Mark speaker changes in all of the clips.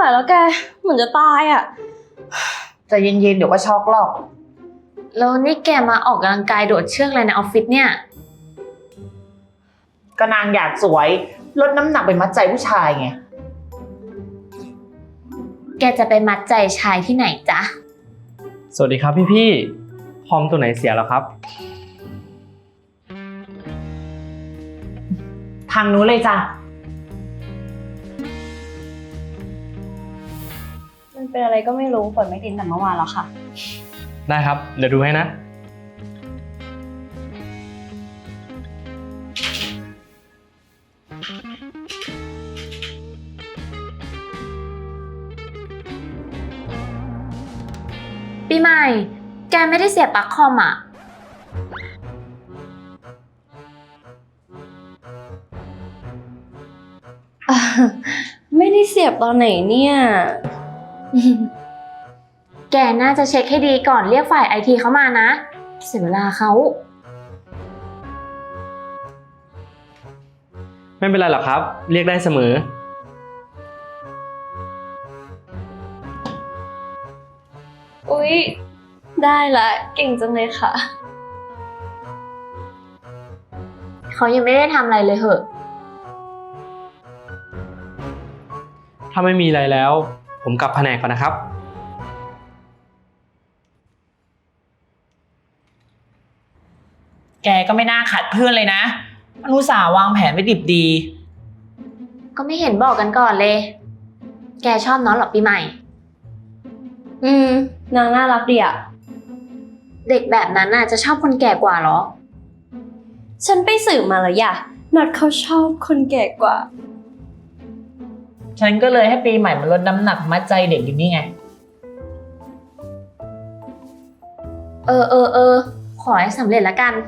Speaker 1: วแล้วแกเหมือนจะตายอ่ะ
Speaker 2: ใจเย็นๆเดี๋ยวก็ช็อกหรอก
Speaker 3: แล้วนี่แกมาออกกำลังกายโดดเชือกอะไรในออฟฟิศเนี่ย
Speaker 2: ก็นางอยากสวยลดน้ำหนักไปมัดใจผู้ชายไง
Speaker 3: แกจะไปมัดใจชายที่ไหนจ๊ะ
Speaker 4: สวัสดีครับพี่คอมตัวไหนเสียแล้วครับ
Speaker 2: ทางนู้นเลยจ้ะ
Speaker 1: มันเป็นอะไรก็ไม่รู้ฝนไม่ติดแต่เมื่อวานแล้วค่ะ
Speaker 4: ได้ครับเดี๋ยวดูให้นะ
Speaker 3: ปีใหม่แกไม่ได้เสียบปลั๊กคอมอ่ะ
Speaker 1: ไม่ได้เสียบตอนไหนเนี่ย
Speaker 3: แกน่าจะเช็คให้ดีก่อนเรียกฝ่ายไอทีเข้ามานะเสียเวลาเขา
Speaker 4: ไม่เป็นไรหรอกครับเรียกได้เสมอ
Speaker 1: อุ๊ยได้ละเก่งจังเลยค่ะ
Speaker 3: เขายังไม่ได้ทำอะไรเลยเหอะ
Speaker 4: ถ้าไม่มีอะไรแล้วผมกลับแผนกก่อนนะครับ
Speaker 2: แกก็ไม่น่าขัดเพื่อนเลยนะมันอุตส่าห์วางแผนไว้ดิบดี
Speaker 3: ก็ไม่เห็นบอกกันก่อนเลยแกชอบน้องหรอปีใหม่
Speaker 1: นางน่ารักดีอะ
Speaker 3: เด็กแบบนั้นน่ะจะชอบคนแก่กว่าเหรอ
Speaker 1: ฉันไปสืบมาแล้วย่ะนัดเขาชอบคนแก่กว่า
Speaker 2: ฉันก็เลยให้ปีใหม่มาลดน้ำหนักมัดใจเด็กอยู่นี่ไง
Speaker 3: ขอให้สำเร็จละกัน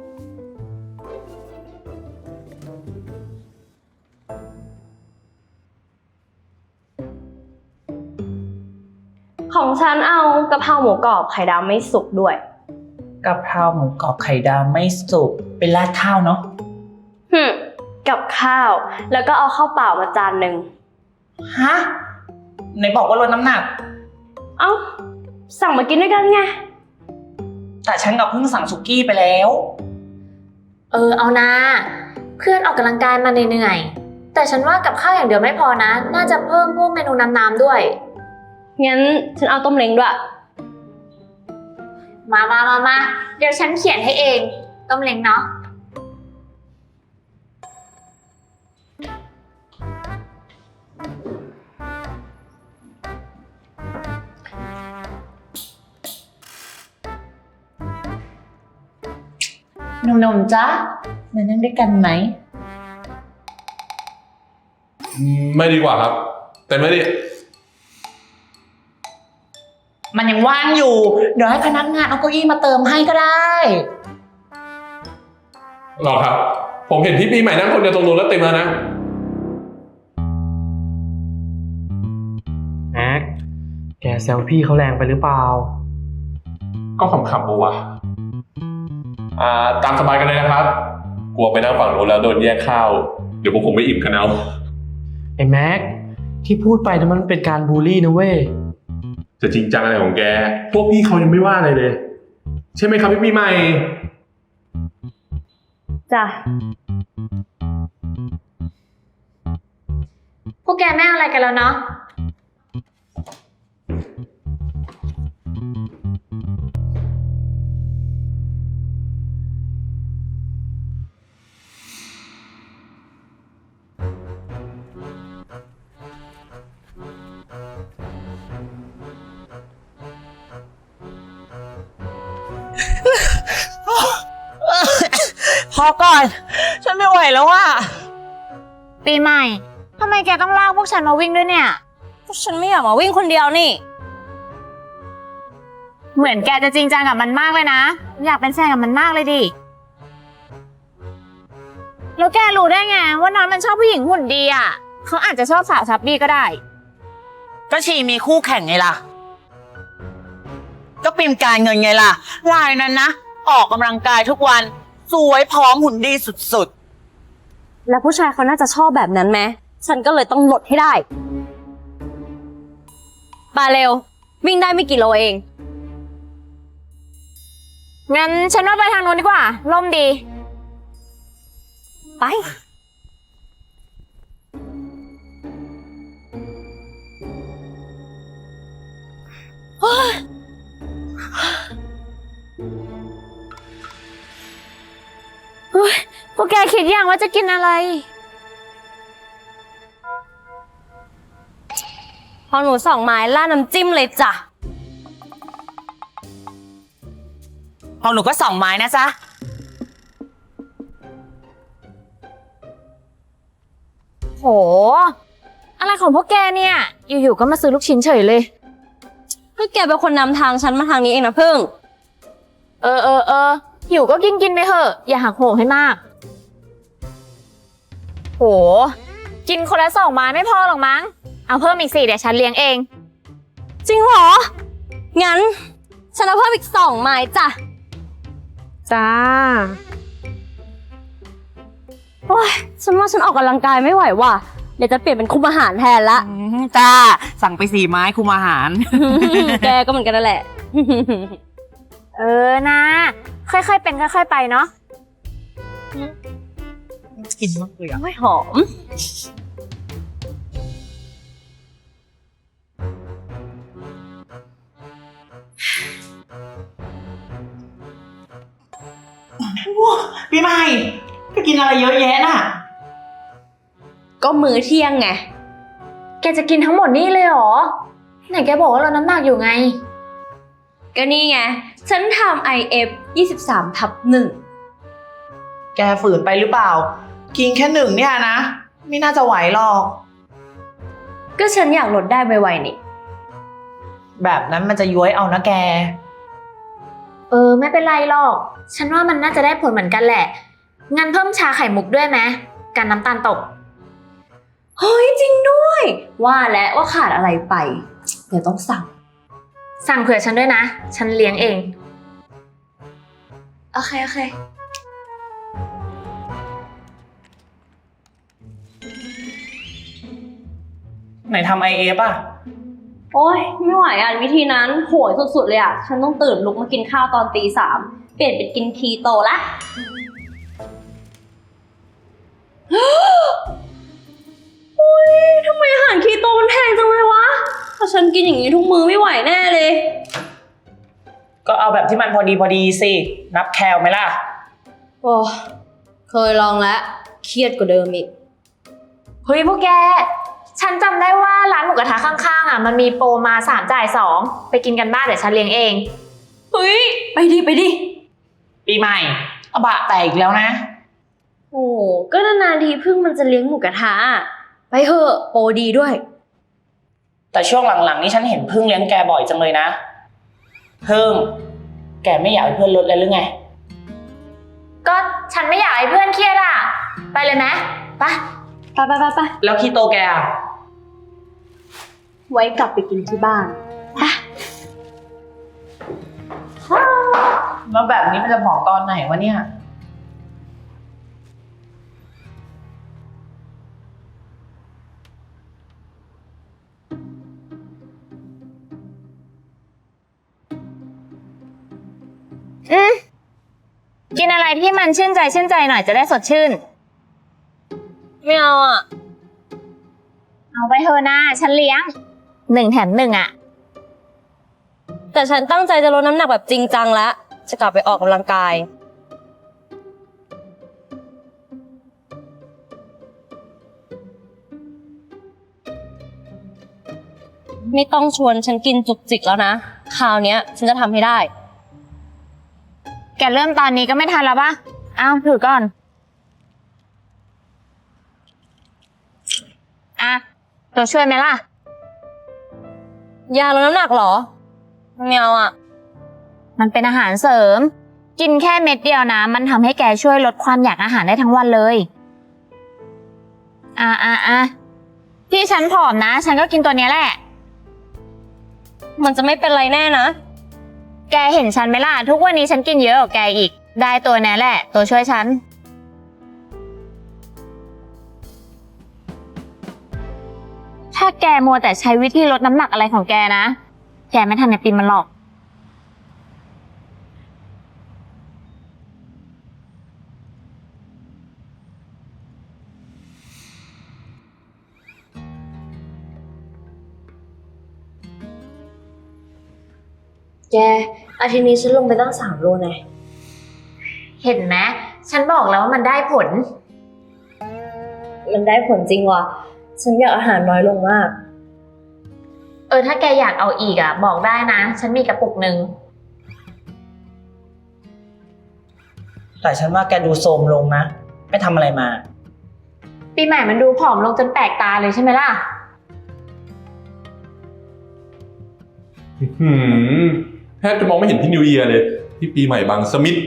Speaker 1: ของฉันเอากะเพราหมูกรอบไข่ดาวไม่สุกด้วย
Speaker 2: กะเพราหมูกรอบไข่ดาวไม่สุกเป็นราดข้าวเนาะ
Speaker 1: กับข้าวแล้วก็เอาข้าวเปล่ามาจานหนึ่ง
Speaker 2: ฮะไหนบอกว่าลดน้ำหนัก
Speaker 1: เอ้าสั่งมากินด้วยกันไง
Speaker 2: แต่ฉันกับเพิ่งสั่งสุกี้ไปแล้ว
Speaker 3: เอานะเพื่อนออกกำลังกายมาเหนื่อยแต่ฉันว่ากับข้าวอย่างเดียวไม่พอนะน่าจะเพิ่มพวกเมนูน้ำด้วย
Speaker 1: งั้นฉันเอาต้มเล้งด้วย
Speaker 3: มาเดี๋ยวฉันเขียนให้เองต้มเล้งเนาะ
Speaker 2: นมๆจ๊ะมานั่งด้วยกันไหม
Speaker 5: ไม่ดีกว่าครับแต่ไม่ดี
Speaker 2: มันยังว่างอยู่เดี๋ยวให้พนักงานเอาเก้าอี้มาเติมให้ก็ได้
Speaker 5: หรอครับผมเห็นพี่ปีใหม่นั่งคนเดียวตรงนู้นแล้วเต็มแล้วนะ
Speaker 4: แม็กแกแซวพี่เขาแรงไปหรือเปล่า
Speaker 5: ก็ขำๆบัวตามสบายกันเลยนะครับกลัวไปนั่งฝั่งโน้นแล้วโดนแย่งข้าวเดี๋ยวพวกผมไม่อิ่มกันเอา
Speaker 4: ไอ้แม็กที่พูดไปนั้นมันเป็นการบูลลี่นะเว้ย
Speaker 5: จะจริงจังอะไรของแกพวกพี่เขายังไม่ว่าอะไรเลยใช่ไหมครับพี่ปีใหม่
Speaker 1: จ้ะ
Speaker 3: พวกแกไม่อะไรกันแล้วเนาะ
Speaker 2: พอก่อนฉันไม่ไหวแล้วอ่ะ
Speaker 3: ปีใหม่ทำไมแกต้องลากพวกฉันมาวิ่งด้วยเนี่ย
Speaker 1: ฉันไม่อยากมาวิ่งคนเดียวนี่
Speaker 3: เหมือนแกจะจริงจังกับมันมากเลยนะอยากเป็นแฟนกับมันมากเลยดิแล้วแกรู้ได้ไงว่าน้องมันชอบผู้หญิงหุ่นดีอ่ะเขาอาจจะชอบสาวชับบี้ก็ได้
Speaker 2: ก็ชีมีคู่แข่งไงล่ะก็ปิมการเงินไงล่ะรายนั้นนะออกกำลังกายทุกวันสวยพร้อมหุ่นดีสุด
Speaker 1: ๆแล้วผู้ชายเขาน่าจะชอบแบบนั้นไหมฉันก็เลยต้องลดให้ได้ปาเร็ว วิ่งได้ไม่กี่โลเอง
Speaker 3: งั้นฉันว่าไปทางนู้นดีกว่าร่มดี
Speaker 1: ไป
Speaker 3: พวกแกคิดยังว่าจะกินอะไร
Speaker 1: พอหนู2 ไม้ล่าดน้ำจิ้มเลยจ้ะ
Speaker 2: ของหนูก็2 ไม้นะจ๊ะ
Speaker 3: โห อะไรของพวกแกเนี่ย อยู่ๆก็มาซื้อลูกชิ้นเฉยเลย
Speaker 1: ก็แกเป็นคนนำทางฉันมาทางนี้เองนะพึ่ง
Speaker 3: หิวก็กินไปเถอะ อย่าหักโหมให้มาก โห กินคนละ2 ไม้ไม่พอหรอกมั้ง เอาเพิ่มอีก4เดี๋ยวฉันเลี้ยงเอง
Speaker 1: จริงเหรอ งั้น ฉันเอาเพิ่มอีก2 ไม้จ้ะ
Speaker 3: จ้า
Speaker 1: โอ้ยฉันว่าฉันออกกำลังกายไม่ไหวว่ะ เดี๋ยวจะเปลี่ยนเป็นคุมอาหารแทนละ
Speaker 2: จ้า สั่งไป4 ไม้คุมอาหาร
Speaker 1: แกก็เหมือนกันนั่นแหละ
Speaker 3: นะค่อยๆเป็นค่อยๆไปเนาะ
Speaker 2: กินมากเลยอ่ะ
Speaker 1: ไม่หอม
Speaker 2: พี่ใหม่ไปกินอะไรเยอะแยะน่ะ
Speaker 1: ก็มื้อเที่ยงไง
Speaker 3: แกจะกินทั้งหมดนี่เลยเหรอ ไหนแกบอกว่าเราน้ำหนักอยู่ไง
Speaker 1: ก็นี่ไง ฉันทำ IF 23/1
Speaker 6: แกฝืนไปหรือเปล่า กินแค่1เนี่ยนะ ไม่น่าจะไหวหรอก
Speaker 1: ก็ฉันอยากลดได้ไวๆนี่
Speaker 6: แบบนั้นมันจะย้วยเอานะแก
Speaker 3: ไม่เป็นไรหรอก ฉันว่ามันน่าจะได้ผลเหมือนกันแหละ งั้นเพิ่มชาไข่มุกด้วยไหมกันน้ำตาลตก
Speaker 1: เฮ้ยจริงด้วย ว่าแล้วว่าขาดอะไรไป เดี๋ยวต้องสั่ง
Speaker 3: สั่งเผื่อฉันด้วยนะ ฉันเลี้ยงเอง
Speaker 1: โอเค โอเค
Speaker 6: ไหนทำ IF อ่ะ
Speaker 1: โอ้ยไม่ไหวอ่ะวิธีนั้นโหยสุดๆเลยอ่ะ ฉันต้องตื่นลุกมากินข้าวตอน3:00 เปลี่ยนเป็นกินคีโตละ โอ้ยทำไมอาหารคีโตมันแพงจังเลยวะ ถ้าฉันกินอย่างนี้ทุกมื้อไม่ไหวแน่เลย
Speaker 6: ก็เอาแบบที่มันพอดีสิ นับแคลไหมล่ะ
Speaker 1: โอ้เคยลองแล้ว เครียดกว่าเดิมอีก
Speaker 3: เฮ้ยพวกแก ฉันจำได้ว่าร้านหมูกระทะข้างๆอ่ะมันมีโปรมา3 จ่าย 2ไปกินกันบ้านเดี๋ยวฉันเลี้ยงเอง
Speaker 1: เฮ้ย ไปดิ ไปดิ
Speaker 6: ปีใหม่เอาบะแตกอีกแล้วนะ
Speaker 1: โอ้ก็นานๆทีเพิ่งมันจะเลี้ยงหมูกระทะอะไปเถอะโปรดีด้วย
Speaker 6: แต่ช่วงหลังๆนี้ฉันเห็นพึ่งเลี้ยงแกบ่อยจังเลยนะ พึ่ง แกไม่อยากให้เพื่อนลดเลยหรือไง
Speaker 3: ก็ฉันไม่อยากให้เพื่อนเครียดอ่ะ ไปเลยไหมไป
Speaker 1: ไปไปไปไป
Speaker 6: แล้วคีโตแกอ่ะ
Speaker 1: ไว้กลับไปกินที่บ้าน
Speaker 6: แล้วแบบนี้มันจะผอมตอนไหนวะเนี่ย
Speaker 3: กินอะไรที่มันชื่นใจหน่อยจะได้สดชื่น
Speaker 1: ไม่เอาอ่ะ
Speaker 3: เอาไปเถอะนะฉันเลี้ยง1 แถม 1อ่ะ
Speaker 1: แต่ฉันตั้งใจจะลดน้ำหนักแบบจริงจังแล้ว จะกลับไปออกกำลังกาย ไม่ต้องชวนฉันกินจุกจิกแล้วนะ คราวเนี้ยฉันจะทำให้ได้
Speaker 3: แกเริ่มตอนนี้ก็ไม่ทันแล้วปะเอาถือก่อน อ่ะ ตัวช่วยไหมล่ะ
Speaker 1: ยาลดน้ำหนักเหรอไม่เอาอ่ะ
Speaker 3: มันเป็นอาหารเสริม กินแค่เม็ดเดียวนะ มันทำให้แกช่วยลดความอยากอาหารได้ทั้งวันเลย ที่ฉันผอมนะ ฉันก็กินตัวเนี้ยแหละ
Speaker 1: มันจะไม่เป็นไรแน่นะ
Speaker 3: แกเห็นฉันไหมล่ะ ทุกวันนี้ฉันกินเยอะกว่าแกอีก ได้ตัวนี้แหละ ตัวช่วยฉัน แถถ้าแกมัวแต่ใช้วิธีลดน้ำหนักอะไรของแกนะ แกไม่ทันไอติมมันหรอก
Speaker 1: แก อาทิตย์นี้ฉันลงไปตั้ง3 โลนะ
Speaker 3: เห็นไหมฉันบอกแล้วว่ามันได้ผล
Speaker 1: มันได้ผลจริงว่ะ ฉันอยากอาหารน้อยลงมาก
Speaker 3: ถ้าแกอยากเอาอีกบอกได้นะ ฉันมีกระปุกหนึ่ง
Speaker 6: แต่ฉันว่าแกดูโทรมลงนะ ไม่ทำอะไรมา
Speaker 3: ปีใหม่มันดูผอมลงจนแปลกตาเลยใช่ไหมล่ะ
Speaker 5: แทบจะมองไม่เห็นพี่นิวเยียร์เลย พี่ปีใหม่บางสมิธ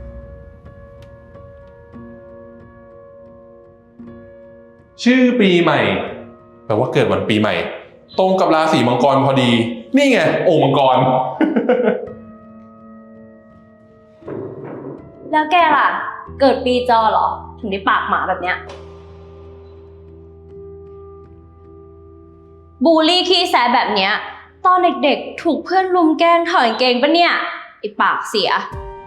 Speaker 5: ชื่อปีใหม่แปลว่าเกิดวันปีใหม่ ตรงกับราศีมังกรพอดี นี่ไงโอ่งมังกร
Speaker 1: แล้วแกล่ะ เกิดปีจอเหรอ ถึงได้ปากหมาแบบเนี้ย บูลลี่ขี้แซะแบบเนี้ย ตอนเด็กๆ ถูกเพื่อนรุมแกล้งถอยกางเกงปะเนี่ย ไอปากเสีย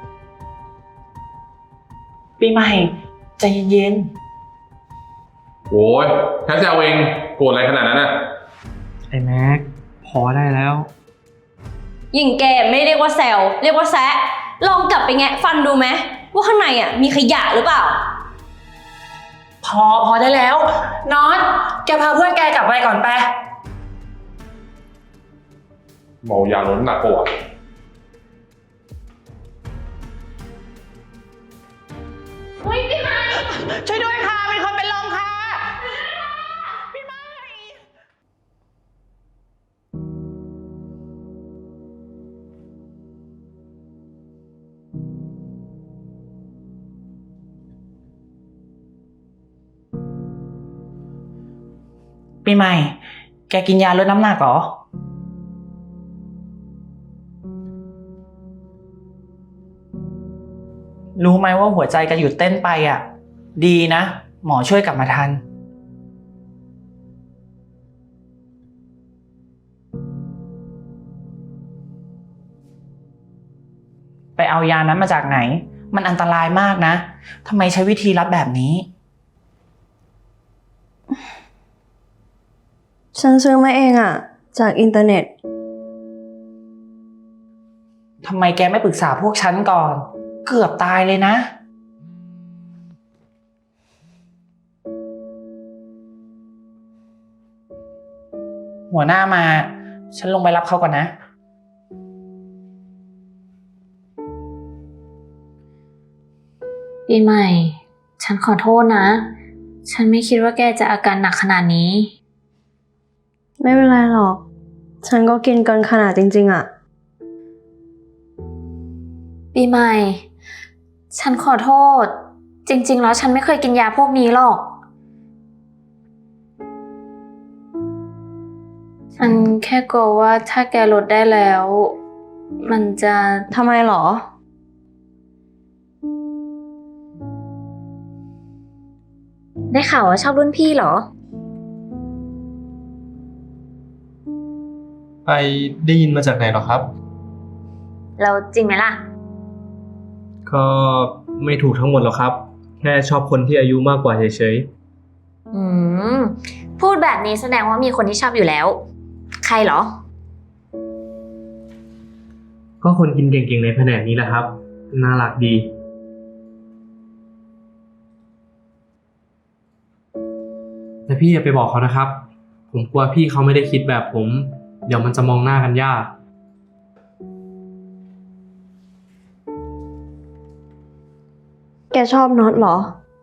Speaker 6: ปีใหม่ใจเย็น
Speaker 5: โอ้ยแค่แซวเองโกรธอะไรขนาดนั้นน่ะ
Speaker 4: ไอ้แม็ก พอได้แล้ว
Speaker 1: ยิ่งแกไม่เรียกว่าแซวเรียกว่าแซะ ลองกลับไปแงะฟันดูไหมว่าข้างในมีขยะหรือเปล่า
Speaker 6: พอได้แล้วน็อตแกพาเพื่อนแกกลับไปก่อนไป
Speaker 5: เมายาลดน้ำหนักปะวะ
Speaker 6: ช่วยด้วยค่ะ มีคนเป็นลมค่ะพี่ไม้ ปีใหม่ แกกินยาลดน้ำหนักเหรอ รู้ไหมว่าหัวใจแกหยุดเต้นไปดีนะ หมอช่วยกลับมาทัน ไปเอายานั้นมาจากไหน มันอันตรายมากนะทำไมใช้วิธีรับแบบนี้
Speaker 1: ฉันซื้อมาเองจากอินเทอร์เน็ต
Speaker 6: ทำไมแกไม่ปรึกษาพวกฉันก่อน เกือบตายเลยนะ หัวหน้ามา ฉันลงไปรับเขาก่อนนะ
Speaker 3: ปีใหม่ ฉันขอโทษนะ ฉันไม่คิดว่าแกจะอาการหนักขนาดนี้
Speaker 1: ไม่เป็นไรหรอก ฉันก็กินเกินขนาดจริงๆ
Speaker 3: ปีใหม่ ฉันขอโทษ จริงๆแล้วฉันไม่เคยกินยาพวกนี้หรอก ฉันแค่กลัวว่าถ้าแกลดได้แล้ว มันจะทำไมหรอ ได้ข่าวว่าชอบรุ่นพี่เหรอ
Speaker 4: ไปได้ยินมาจากไหนหรอครับ
Speaker 3: แล้วจริงไหมล่ะ
Speaker 4: ก็ไม่ถูกทั้งหมดหรอกครับ แค่ชอบคนที่อายุมากกว่าเฉย
Speaker 3: พูดแบบนี้แสดงว่ามีคนที่ชอบอยู่แล้ว ใครเหรอ
Speaker 4: ๆ ก็คนกินเก่งๆในแผนกนี้แหละครับ น่ารักดี แต่พี่อย่าไปบอกเขานะครับ ผมกลัวพี่เขาไม่ได้คิดแบบผม เดี๋ยวมันจะมองหน้ากันยาก
Speaker 1: แกชอบน็อตเหรอ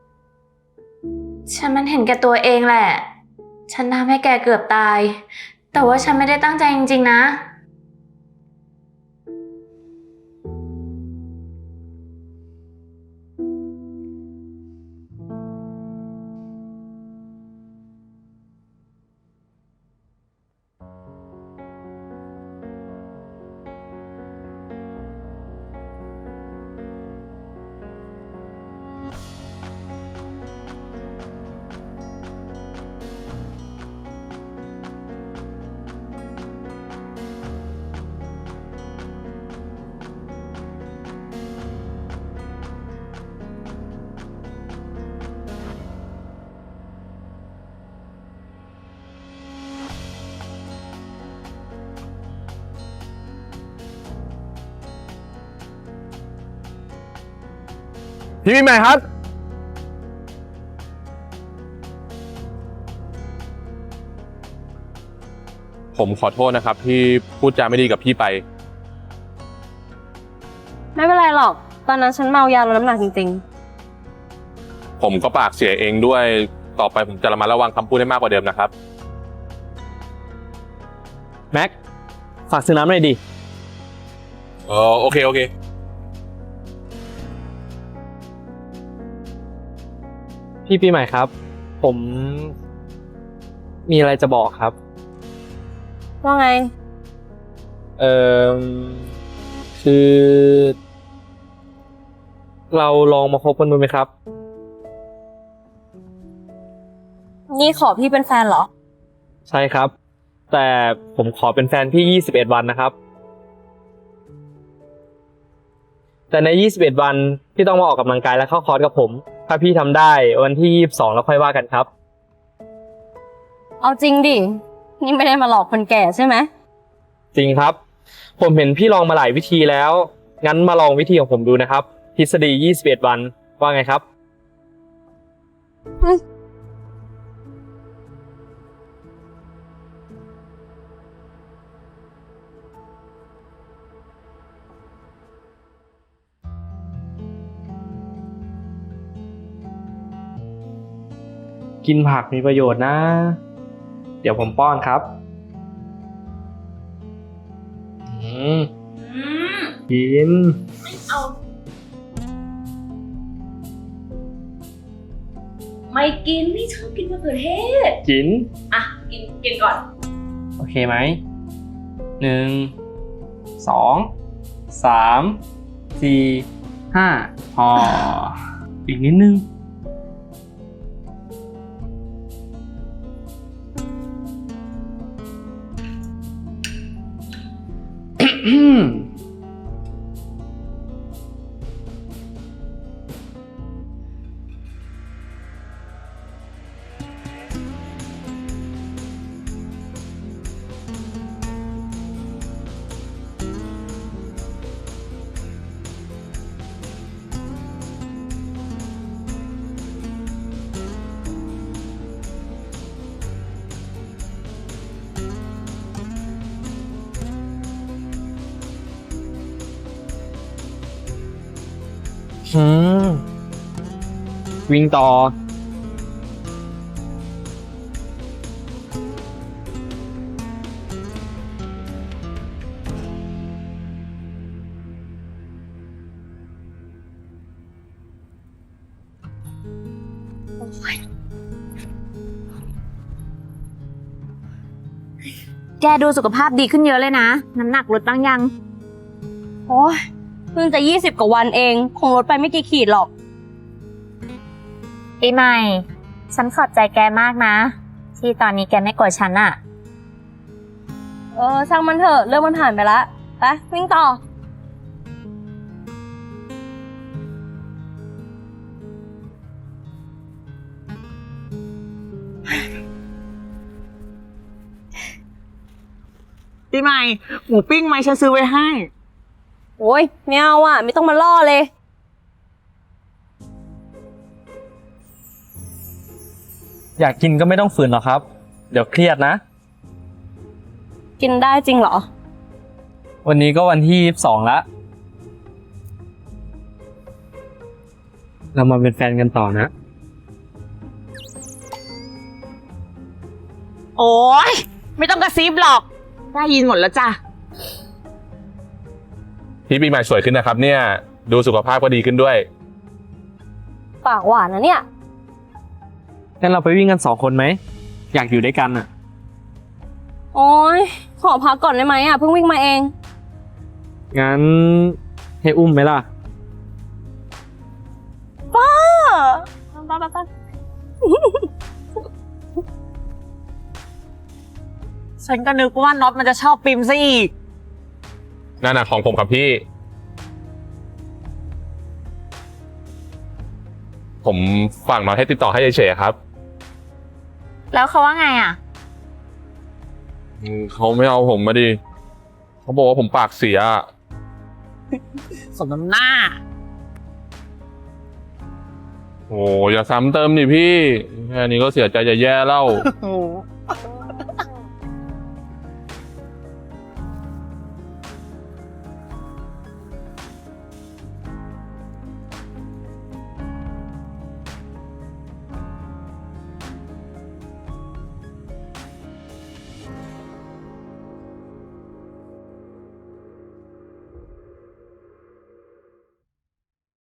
Speaker 3: ฉันมันเห็นแก่ตัวเองแหละ ฉันทำให้แกเกือบตาย แต่ว่าฉันไม่ได้ตั้งใจจริงๆนะ
Speaker 7: พี่ปีใหม่ครับ
Speaker 5: ผมขอโทษนะครับที่พูดจาไม่ดีกับพี่ไป
Speaker 1: ไม่เป็นไรหรอก ตอนนั้นฉันเมายาลดน้ำหนักจริง
Speaker 5: ผมก็ปากเสียเองด้วย ต่อไปผมจะระมัดระวังคำพูดให้มากกว่าเดิมนะครับ
Speaker 7: แม็ก ฝากซื้อน้ำหน่อยดิ
Speaker 5: โอเค
Speaker 4: พี่ปีใหม่ครับ ผมมีอะไรจะบอกครับ
Speaker 1: ๆ ว่าไง
Speaker 4: เอ่อคือ เราลองมาคบกันดูไหมครับ
Speaker 1: นี่ขอพี่เป็นแฟนเหรอ
Speaker 4: ใช่ครับ แต่ผมขอเป็นแฟนพี่21 วันนะครับ แต่ใน 21 วันพี่ต้องมาออกกำลังกายและเข้าคอร์สกับผม ถ้าพี่ทำได้วันที่22แล้วค่อยว่ากันครับ
Speaker 1: เอาจริงดิ นี่ไม่ได้มาหลอกคนแก่ใช่ไหม
Speaker 4: จริงครับ ผมเห็นพี่ลองมาหลายวิธีแล้ว งั้นมาลองวิธีของผมดูนะครับ ทฤษฎี21 วัน ว่าไงครับ กินผักมีประโยชน์นะ เดี๋ยวผมป้อนครับ กิน
Speaker 1: ไม่กิน นี่ชอบกินมะเขือเทศ
Speaker 4: กิน
Speaker 1: อ่ะ กินก่อน
Speaker 4: โอเคไหม 1 2 3 4 5 พอ อีกนิดนึง วิ่งต่อ
Speaker 3: แกดูสุขภาพดีขึ้นเยอะเลยนะ น้ำหนักลดบ้างยัง
Speaker 1: โอ้ยเพิ่งจะ20 กว่าวันเอง คงลดไปไม่กี่ขีดหรอก
Speaker 3: ปีใหม่ ฉันขอบใจแกมากนะ ที่ตอนนี้แกไม่โกรธฉันอะ
Speaker 1: ช่างมันเถอะ เรื่องมันผ่านไปละไปวิ่งต่อ
Speaker 2: ปีใหม่ หมูปิ้งไหมฉันซื้อไว้ให้
Speaker 1: โอ้ยไม่เอาอ่ะ ไม่ต้องมาล่อเลย
Speaker 4: อยากกินก็ไม่ต้องฝืนหรอกครับ เดี๋ยวเครียดนะ
Speaker 1: กินได้จริงเหรอ
Speaker 4: วันนี้ก็วันที่22แล้ว เรามาเป็นแฟนกันต่อนะ
Speaker 2: โอ๊ย ไม่ต้องกระซิบหรอก ได้ยินหมดแล้วจ้ะ
Speaker 5: พี่ปีใหม่สวยขึ้นนะครับเนี่ย ดูสุขภาพก็ดีขึ้นด้วย
Speaker 1: ปากหวานนะเนี่ย
Speaker 4: งั้นเราไปวิ่งกัน2 คนไหม อยากอยู่ด้วยกันอ่ะ
Speaker 1: โอ้ยขอพักก่อนได้ไหมอ่ะ เพิ่งวิ่งมาเอง
Speaker 4: งั้นให้อุ้มไหมล่ะ
Speaker 1: ป้า
Speaker 2: ฉันก็นึกว่าน็อตมันจะชอบปิมซะอีก
Speaker 5: นั่นน่ะของผมครับพี่ ผมฝากน้อยให้ติดต่อให้เฉยๆครับ
Speaker 3: แล้วเขาว่าไงอะ
Speaker 5: เขาไม่เอาผมมาดิ เขาบอกว่าผมปากเสีย
Speaker 2: สมน้ำหน้า
Speaker 5: โอ้อย่าซ้ำเติมดิพี่ แค่นี้ก็เสียใจจะแย่แล้ว
Speaker 2: โอ้